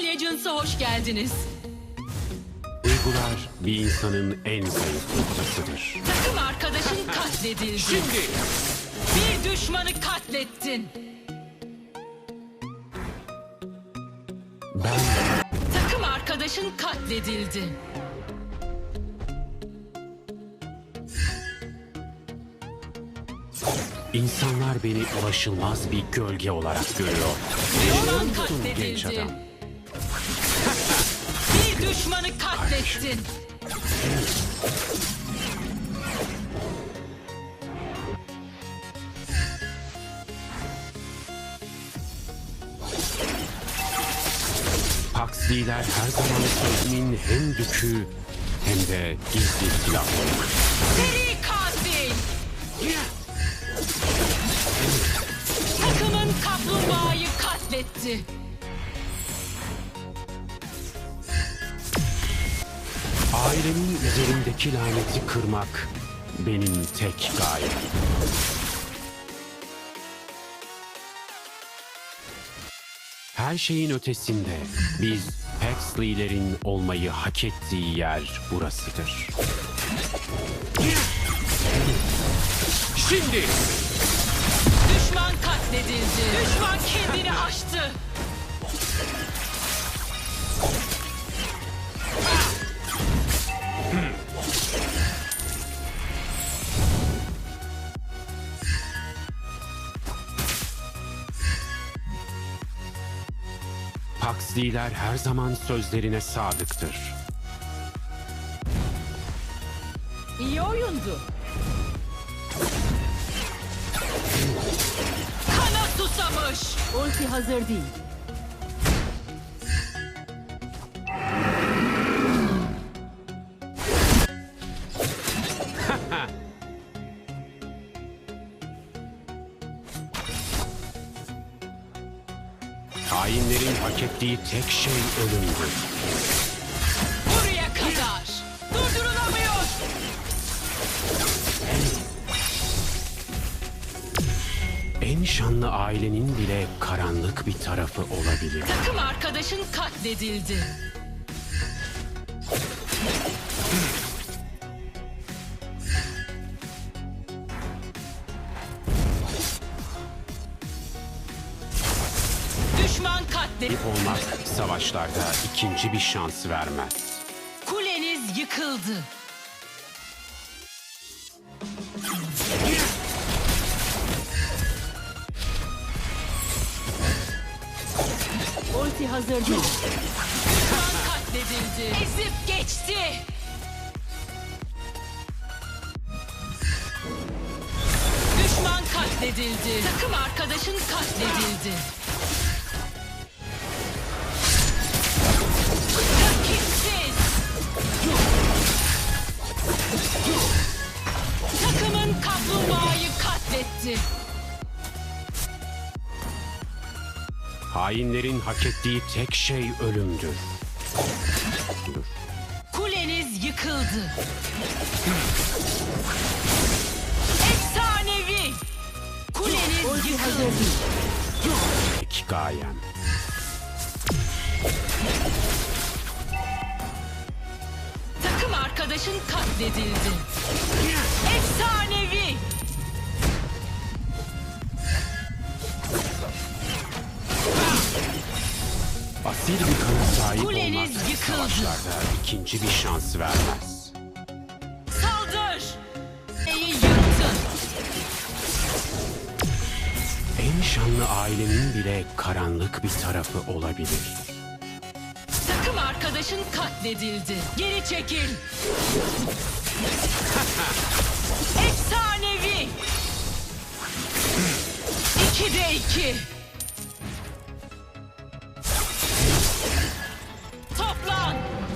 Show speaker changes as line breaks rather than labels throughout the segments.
Legends'a hoş geldiniz.
Duygular bir insanın en zayıf noktasıdır.
Takım arkadaşın katledildi.
Şimdi
Bir düşmanı katlettin.
ben
Takım arkadaşın katledildi.
insanlar beni ulaşılmaz bir gölge olarak görüyor. Biliyor
Düşman
musun genç
katledildi.
adam?
Bir düşmanı katlettin.
Huxley'ler her zaman sözümün hem dükü hem de gizli silahları.
Seri katil. Takımın kaplumbağayı katletti.
Ailemin üzerimdeki laneti kırmak benim tek gayem. Her şeyin ötesinde biz Huxley'lerin olmayı hak ettiği yer burasıdır. Şimdi
Düşman katledildi. Düşman kendini aştı.
Huxley'ler her zaman sözlerine sadıktır.
İyi oyundu. Kana susamış.
Ulti hazır değil.
Hainlerin hak ettiği tek şey ölümdür.
Buraya kadar. Durdurulamıyor.
En şanlı ailenin bile karanlık bir tarafı olabilir.
Takım arkadaşın katledildi. Düşman katledildi.
Olmak savaşlarda ikinci bir şans vermez.
Kuleniz yıkıldı.
Ulti hazır değil.
Düşman katledildi. Ezip geçti. Düşman katledildi. Takım arkadaşın katledildi. Rakipsiz. Takımın kaplumbağayı katletti.
Hainlerin hak ettiği tek şey ölümdür.
Kuleniz yıkıldı. Efsanevi. Kuleniz
Ulti hazır
yıkıldı.
değil.
Tek gayem.
Takım arkadaşın katledildi. Efsanevi.
Asil bir kana sahip
Kuleniz
olmak
yıkıldı.
savaşlarda ikinci bir şans vermez.
Saldır. Neyi yıktın?
En şanlı ailenin bile karanlık bir tarafı olabilir.
Takım arkadaşın katledildi. Geri çekil. Efsanevi. 2'de 2. Toplan.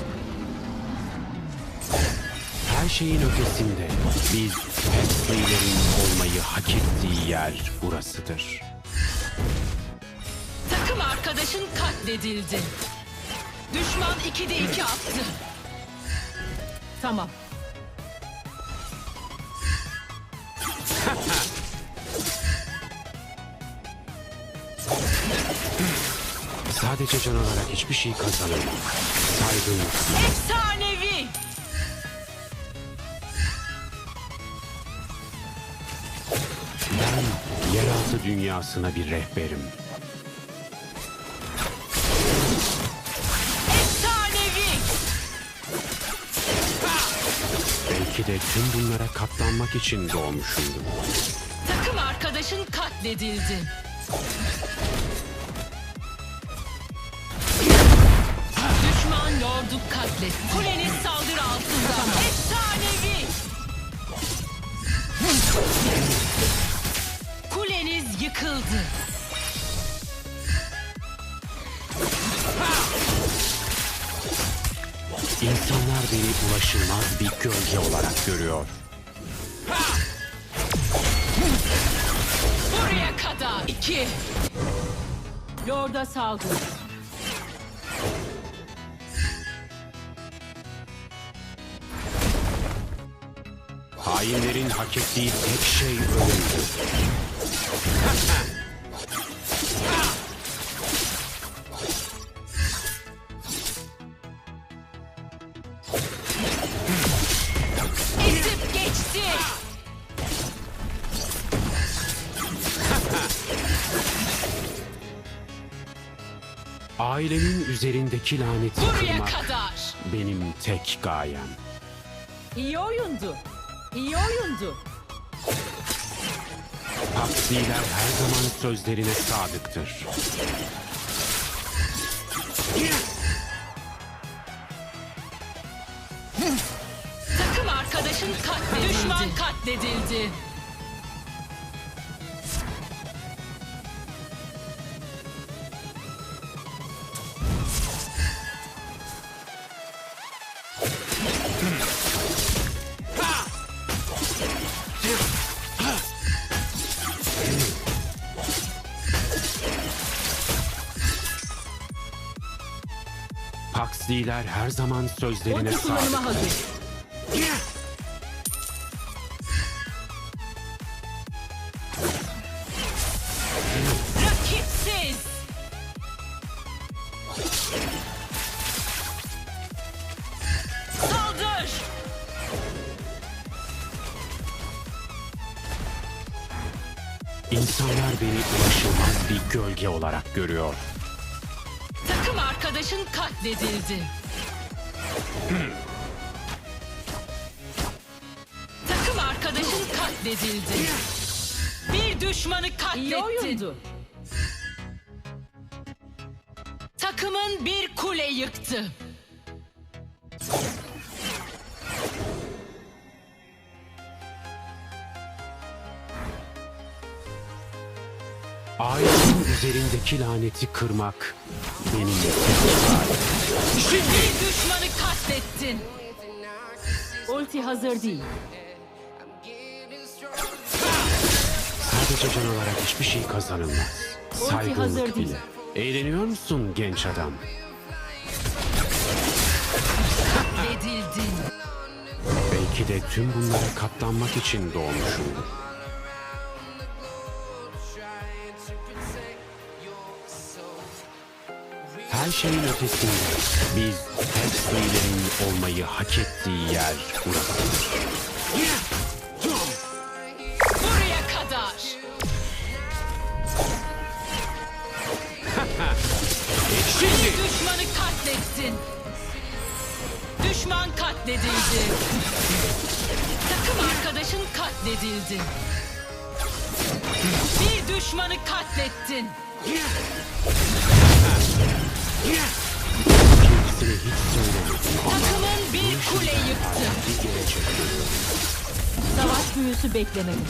Her şeyin ötesinde biz Huxley'lerin olmayı hak ettiği yer burasıdır.
Takım arkadaşın katledildi. Düşman 2'de 2 attı.
Tamam.
Sadece can alarak hiçbir şey kazanamam. Saygın silah.
Efsanevi.
Ben yeraltı dünyasına bir rehberim.
Efsanevi.
Belki de tüm bunlara katlanmak için doğmuşumdur.
Takım arkadaşın katledildi. Düşman lordu katletti. Kuleniz saldırı altında. Efsanevi. Kuleniz yıkıldı.
İnsanlar beni ulaşılmaz bir gölge olarak görüyor.
Buraya kadar. 2.
Lord'a saldır.
Hainlerin hak ettiği tek şey ölümdür.
Ezip geçti.
Ailemin üzerindeki laneti
Buraya
kırmak
kadar.
benim tek gayem.
İyi oyundu. İyi oyundu.
Aksiler her zaman sözlerine sadıktır.
Takım arkadaşın katledildi. Düşman katledildi.
Paksliler her zaman sözlerine
Ulti kullanıma
sadıktır.
hazır.
Rakipsiz. Saldır.
İnsanlar beni ulaşılmaz bir gölge olarak görüyor.
Takım arkadaşın katledildi. Takım arkadaşın katledildi. Bir düşmanı
İyi
katlettin.
oyundu.
Takımın bir kule yıktı.
Ailemin üzerindeki laneti kırmak benim tek gayem.
Bir düşmanı katlettin.
Ulti hazır değil.
Sadece can alarak hiçbir şey kazanılmaz.
Ulti hazır
Saygınlık
değil.
bile. Eğleniyor musun genç adam?
Katledildin.
Belki de tüm bunlara katlanmak için doğmuşumdur. Her şeyin ötesinde biz Hextey'lerin olmayı hak ettiği yer burasıdır.
Buraya kadar. Bir düşmanı katlettin. Düşman katledildi. Takım arkadaşın katledildi. Bir düşmanı katlettin.
Kendisine hiç söylemedim ama
Takımın bir kule yıktı.
bir gelecek görüyorum.
Savaş büyüsü beklemedim.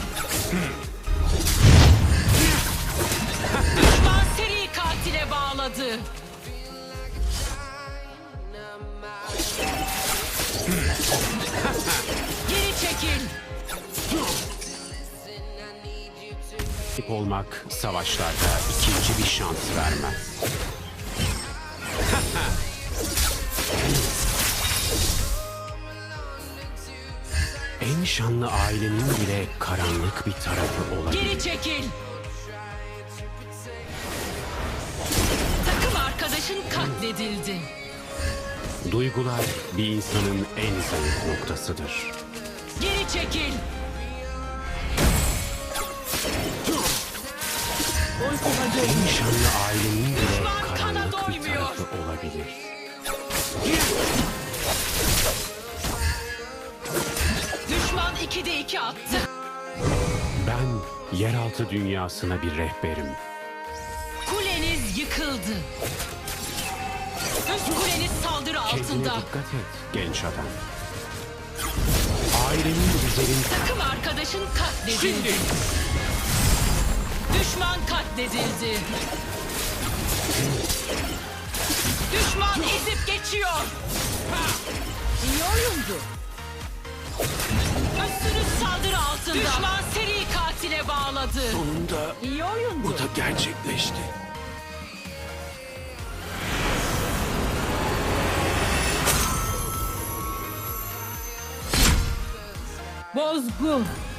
Düşman seri katile bağladı. Geri çekil.
Rakip olmak savaşlarda ikinci bir şans vermez. En şanlı ailenin bile karanlık bir tarafı olabilir.
Geri çekil. Takım arkadaşın katledildi.
Duygular bir insanın en zayıf noktasıdır.
Geri çekil.
Ulti hazır.
En şanlı ailenin bile
Düşman kana
karanlık bir
doymuyor.
tarafı olabilir.
Düşman 2'de 2 attı.
Ben yeraltı dünyasına bir rehberim.
Kuleniz yıkıldı. Üst kuleniz saldırı
Kendine
altında.
dikkat et genç adam. Ailenin üzerinde
Takım arkadaşın katledildi. Düşman katledildi. Düşman ezip geçiyor.
İyi oyundu.
Üstünüz saldırı altında. Düşman seri katile bağladı.
sonunda
İyi oyundu.
da gerçekleşti.
Bozgun.